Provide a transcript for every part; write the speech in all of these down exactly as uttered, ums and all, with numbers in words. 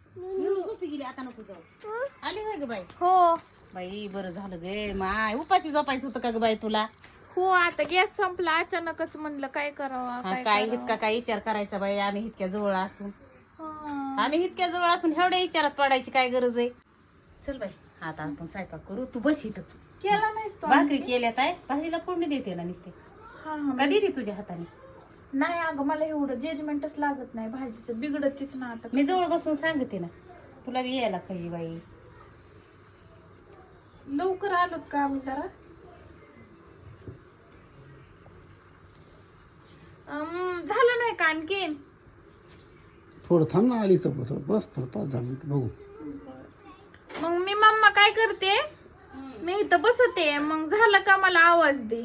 येऊन झोपी गेली आता नको जाऊ. आली होय ग बाई? हो बाई बरं झालं गे माय उपाशी झोपायचं होतं का ग बाई तुला? हो आता गॅस संपला अचानकच म्हणलं काय करावं हा, काय काय करावं. इतका काय विचार करायचा बाई आम्ही इतक्या जवळ असून हा. आम्ही इतक्या जवळ असून एवढ्या विचारात पडायची काय गरज आहे? चल बाई आता आपण स्वयंपाक करू. तू बस इथं. केला नाहीस तो भाकरी आणखी? केल्यात आहे भाजीला फोडणी देते ना नुसते. हा हा कधी दे तुझ्या हाताने? नाही अगं मला एवढं जजमेंटच लागत नाही भाजीचं बिघडतीच ना आता. मी जवळ बसून सांगते ना तुला बी यायला पाहिजे बाई. लवकर आलोत का आम्ही जरा? अं, झालं नाही का आणखीन? थोडं थांब ना आली तर थोडं बस थोडं पाच दहा मिनिट बघू. मग मी मम्मा काय करते मी इथं बसते मग झालं का मला आवाज दे.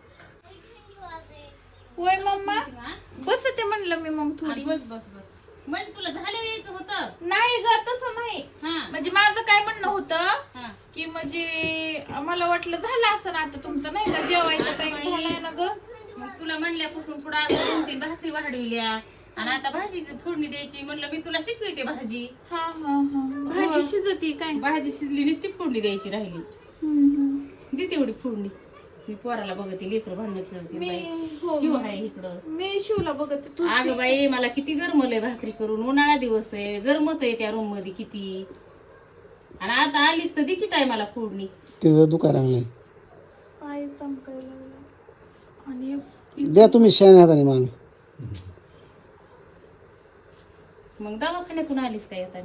होय मम्मा बसते म्हणलं मी मग थोडी. बस बस बस म्हणजे तुला झालं यायचं होतं? नाही ग तसं नाही हा म्हणजे माझं काय म्हणणं होतं हा की म्हणजे मला वाटलं झालं असं ना आता तुमचं नाही का जेवायचं टाइम झालाय ना ग. मग तुला म्हणल्यापासून पुढे अजून दोन तीन भाकरी वाढविल्या आणि आता भाजीची फोडणी द्यायची म्हणलं मी तुला शिकवते भाजी. हा हा हा भाजी शिजती काय? भाजी शिजली नुसती फोडणी द्यायची राहिली. हम्म, हम्म. दे तेवढी फोडणी. मी पोराला बघते लेकर भांडण खेळते मी बाई. हो जीव आहे इकडं. मी शिवला बघते तू. अगं बाई मला किती गरमलंय भाकरी करून. उन्हाळा दिवस आहे गरमत आहे त्या रूम मध्ये किती. आणि आता आलीस तर दे की टायमाला फोडणी. तिथं दुकान नाही पाय चमकायला लागला. आणि द्या तुम्ही शेण हाताने मामी. मग दवाखान्यातून आलीस काय आता?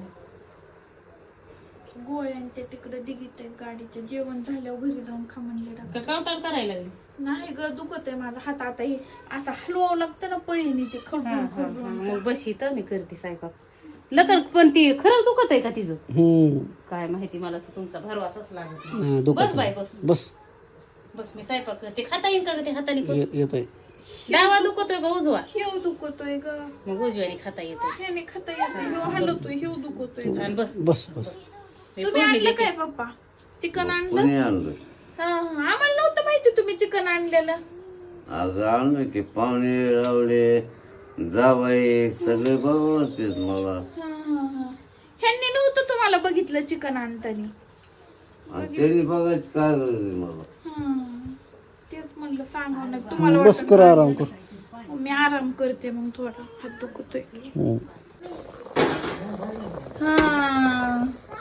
गोळ्यान ते तिकडे दिगीत आहे गाडीचं जेवण झाल्यावर घरी जाऊन खा म्हणले डॉक्टर. कावटाळ करायला लागलीस? नाही ग दुखत आहे माझा हात आता हे असं हलवावं लागतं ना पळीने ते खडून खडून. मग बस इथं मी करते स्वयंपाक. लकर पण ती खरंच दुखत आहे का तिचं? हम्म काय माहिती मला तर तुमचा भरवासाच लागत नाही. नाही, बस दुखत बाई नाही. बस बस बस मी स्वयंपाक करते. खाता येईल का ग ते हाताने करून? ये- येत आहे. डावा दुखतोय का उजवा? हेव दुखतोय ग. मग उजव्याने खाता येतं. ह्याने खाता येते हेव हलवतोय हेव दुखतोय. आणि बस बस बस मी तुम्ही फोडणी आणलं देते. काय पप्पा चिकन आणलं? कोणी आणलं? हा हा आम्हाला नव्हतं माहिती तुम्ही चिकन आणलेलं. अगं आणलं की पाहुणे रावले जाबाई सगळे बघवतेच मला. हा हा हा ह्यांनी नव्हतं तुम्हाला बघितलं चिकन आणताना. आणि त्यांनी बघायची काय गरज आहे मला? हा तेच म्हणलं सांगा ना तुम्हाला बस वाटलं कर आराम कर. ना. मी आराम करते मग थोडा हात दुखतोय. हम्म. हा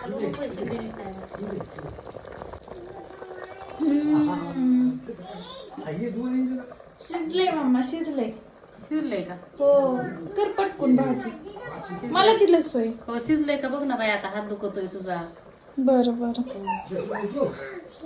हम्म. शिजलंय मम्मा शिजलंय. शिजलंय का? हो कर पटकून भाजी मला दिलं सोय. हो शिजलंय का बघ ना बाई. आता हात दुखतोय तुझा. बरं बरं